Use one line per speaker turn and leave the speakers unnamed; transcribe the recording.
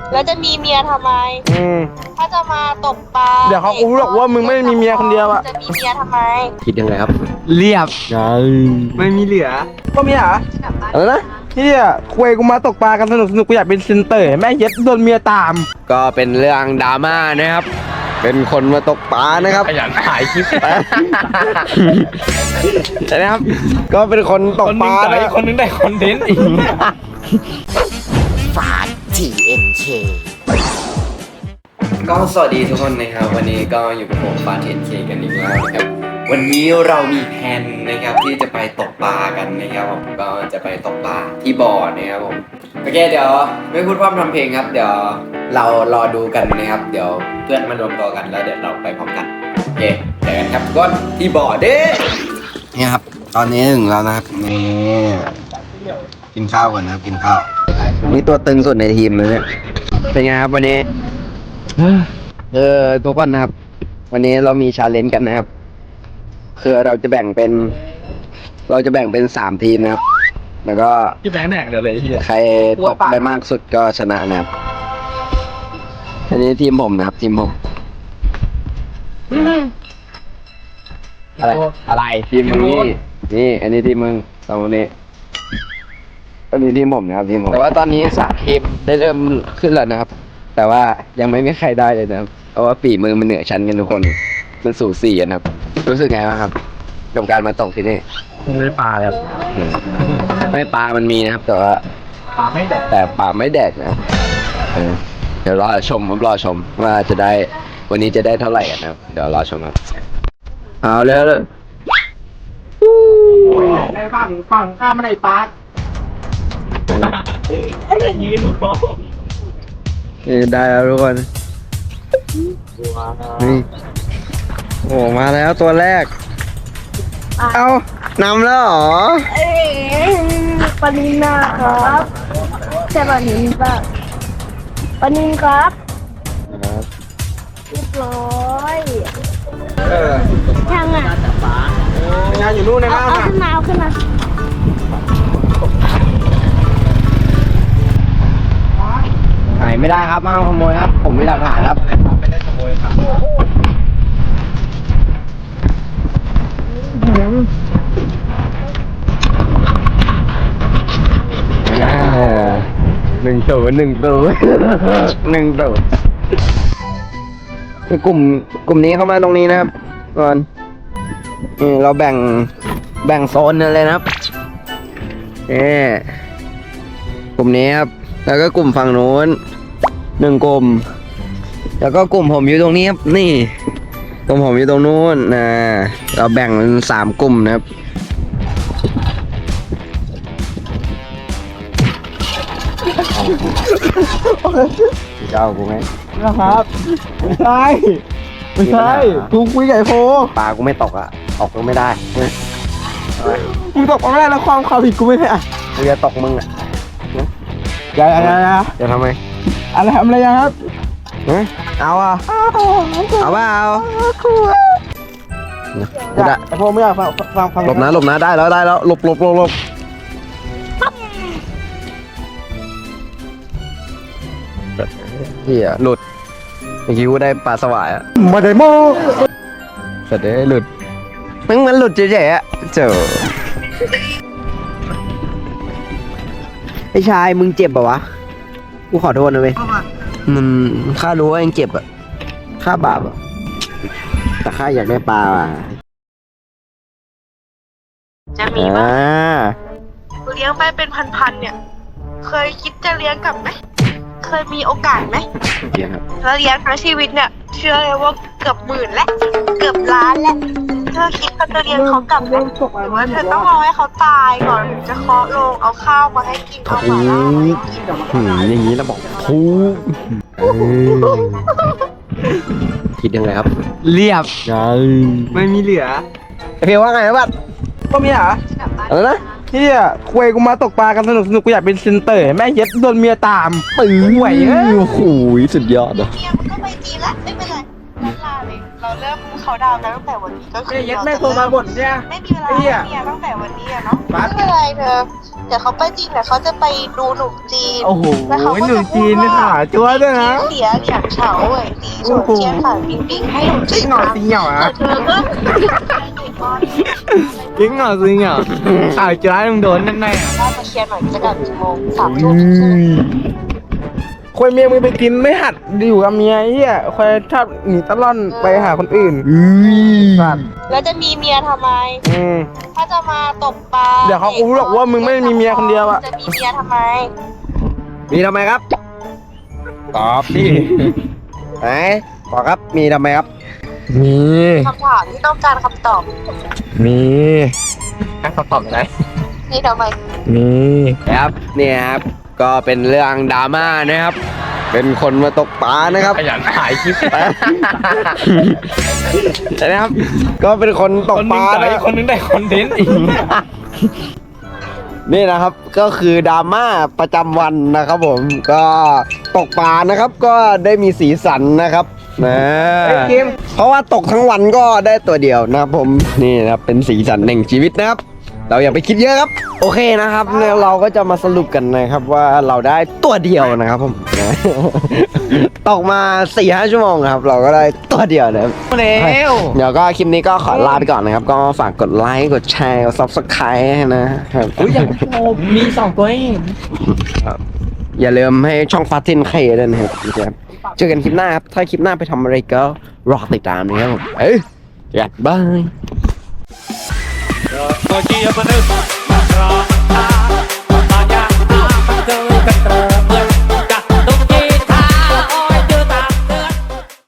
แล้วจะมีเมียทำไมถ้าจะมาตกปลา
เดี๋ยวเขารู้หรอกว่ามึงไม่มีเมียคนเดียวอะ
จะมีเมียทำไม
คิดยังไงครับ
เรียบ
ไม่มีเหลือ
ก็มีเหรออะไรนะที่คุยกูมาตกปลากันสนุกกูอยากเป็นเซนเตอร์แม่เย็ดโดนเมียตาม
ก็เป็นเรื่องดราม่านะครับ เป็นคนมาตกปลานะครับ
ขยันถ่ายคลิป
นะครับ ก็เป็นคนตกปลานะ
คนนึงได้คอนเทนต์อีก
ฝา TNK ก็สวัสดีทุกคนนะครับ วันนี้ก็อยู่กับผมฟา TNK กันอีกแล้วนะครับ วันนี้เรามีแผนนะครับที่จะไปตกปลากันนะครับผมก็จะไปตกปลาที่บ่อนะครับผมโอเคเดี๋ยวไม่พูดพร่ำทำเพลงครับ เดี๋ยวเรารอดูกันนะครับ เดี๋ยวเพื่อนมารวมตัวกันแล้วเดี๋ยวเราไปพร้อมกันโอเคเจอกันครับทุกคนที่บ่อเด้นี่ครับตอนนี้ถึงแล้วนะครับนี่กินข้าวก่อนนะครับกินข้าวนี่ตัวตึงสุดในทีมเลยเนี่ยเป็นไงครับวันนี้ทุกคนนะครับวันนี้เรามีชาเลนจ์กันนะครับคือเราจะแบ่งเป็น3ทีมนะครับแล้วก็
ที่แบงค์แหนกเดี๋ยวเลยที่
ใครตกได้มากสุดก็ชนะนะครับอันนี้ทีมผมนะครับทีมผมอะไรทีมมึงนี่อันนี้ทีมมึงสองคนนี้อันนี้ทีมผมนะครับทีมผมแต่ว่าตอนนี้3ทีมได้เริ่มขึ้นแล้วนะครับแต่ว่ายังไม่มีใครได้เลยนะครับเพราะว่าฝีมือมันเหนือชั้นกันทุกคนมันสูสีกันครับรู้สึกไงบ้างครับกับการมาตกที่นี่
ไม่ได้ปลาเลยครับ
ไม่ปลามันมีนะครับแต่ว่า
ปลาไม่แดก
แต่ปลาไม่แดดนะครับเดี๋ยวรอชมว่าจะได้วันนี้จะได้เท่าไหร่กันนะครับเดี๋ยวรอชมครับเอาแล้วเลย
ในฝั่งข้ามไม่ได้ปลายืนมอง
นี่ได้แล้วทุกคนนี่โอ้มาแล้วตัวแรกเอานำแล้วเหรอ
ปานินนะครับใช่ปานินป่ะปานินครับเรียบร้อยช่างอ่ะ
งานอยู่นู่นนะ
เอาขึ้นมาเอาขึ้นมา
หายไม่ได้ครับมาขโมยครับผมมีหลักฐานครับไม่ได้ขโมยครับ1-0 คือกลุ่มนี้เข้ามาตรงนี้นะครับก่อนนี่เราแบ่งโซนกันเลยนะครับกลุ่มนี้ครับแล้วก็กลุ่มฝั่งโน้น1กลุ่มแล้วก็กลุ่มผมอยู่ตรงนี้ครับนี่กลุ่มผมอยู่ตรงนู้นเราแบ่งเป็น3กลุ่มนะครับเจ้ากูไหม
นะครับไม่ใช่กูคุยกับไอ้โฟ
ปลากูไม่ตกอ่ะตกก็ไม่ได้
มึงตกไม่ได้แล้วความผิดกูไม่ใช่อะ
กูจะตกมึงอ่ะ
อย่า
จะทำไม
อะไรทำอะไรยังครับ
เอาอ่ะเอาเปล่า
อย่าไอ้โฟไม่อยากฟัง
หลบนะได้แล้วหลบเฮียหลุดเมื่อกี้กูได้ปลาสวายอ่ะ
มาได้โม
เสร็จได้หลุดมันหลุดเฉยๆอ่ะเจอไอ้ชายมึงเจ็บป่ะวะกูขอโทษนะเว้ยมันข้ารู้ว่าเองเจ็บอ่ะข้าบาปอ่ะแต่ข้าอยากได้ปลาอ่ะ
จะมีป่ะเลี้ยงไปเป็นพันๆเนี่ยเคยคิดจะเลี้ยงกลับไหมเคยมีโอกาสไหม
เดี๋ยวครับ
แล้วเลี้ยงทั้งชีวิตเนี่ยเชื่อเลยว่าเกือบหมื่นและเกือบล้านและเธอคิดจะเลี้ยงเขากลับไหมหรือว่าเธอต้องรอให้เขาตายก่อนถึงจะเคาะโลงเอาข้าวมาให้กินเอาหมาล่ามาให้กิน
อย่างนี้เราบอกทูคิดยังไงครับ
เรียบไม่มีเหลือ
เพียวว่าไงครับ
ก็มีเหรอ
อะไรนะ
ที่คุยกูมาตกปลากันสนุกกูอยากเป็นเซนเตอร์แม่เย็ดโดนเมียตามไหว
โอ้โหสุดยอดอ่ะ
เมียมันก็ไปจีนละไม่เป็นไรลาเลยเราเริ่มข
เขาดาวน์กันตั้งแต่วันนี้ก็คือ
ยัดแม่โทรมาบ่นเนี่ย
ไม่มีเวลาให้เมียตั้งแต่วันนี้อะเนาะไม่เป็นไรเธอเดี๋ยวเขาไปจีนเดี๋ยวเขาจะไปดูหนุ่มจีน
โอ้โห
แล้วเขาก็
หนุ่
จะ
มจีนนี่ขาจั๊วด้วยนะ
เสียเหลี่ยงเฉาเว่ยตีโฉเจียนฝ่ายปิงปิงให้หนุ่มจีน
หน่อยสิเหงาอ่ะ
เธอก็
จริงเหรอจริงเหรออ้าวจ้ามึงโดนแน่
ว่ามาเคลียร์หน่อยจะกลับกี่โมง3 ทุ่มใช่ไหม
ควยเมียมึงไปกินไม่หัดอยู่กับเมียเฮียควยชอบหนีตะล่อนไปหาคนอื่นสัตว์
แล้วจะมีเมียทำไม ถ้าจะมาตกปลา
เดี๋ยวเขารู้หรอกว่ามึงไม่มีเมียคนเดียวอะ
จะมีเมียทำไม
มีทำไมครับ
ตอบดิ
ไหนบอกครับมีทำไมครับ
มี
คำถามที่ต้องการคำตอบ
มีให้เขาตอบได้
นี่ทำไม
มี
ครับเนี่ยครับก็เป็นเรื่องดราม่านะครับ เป็นคนมาตกปลานะครับ
ขยันถ่ายคลิป
นะครับ ก็เป็นคนตกปลานะ
คนนึงได้คอนเทนต์อีก
นี่นะครับก็คือดราม่าประจำวันนะครับผมก็ตกปลานะครับ ก็ได้มีสีสันนะครับนะเพราะว่าตกทั้งวันก็ได้ตัวเดียวนะครับผมนี่นะครับเป็นสีสันแห่งชีวิตนะครับ เราอย่าไปคิดเยอะครับ โอเคนะครับเนี่ยเราก็จะมาสรุปกันนะครับว่าเราได้ตัวเดียวนะครับผมนะ ตกมา 4-5 ชั่วโมงครับ เราก็ได้ตัวเดียวนะครับ
เร็ว
เดี๋ยวก็คลิปนี้ก็ขอลาไปก่อนนะครับ ก็ฝากกดไลค์กดแชร์กด Subscribe นะครับ
อุ้ยอย่างโอ้มี2 ตัวเอง
อย่าลืมให้ช่องฟาตินเคด้วยนะครับเจอกันคลิปหน้าครับ ถ้าคลิปหน้าไปทำอะไรก็รอติดตามนะครับผมเอ้ยบาย
Aqui é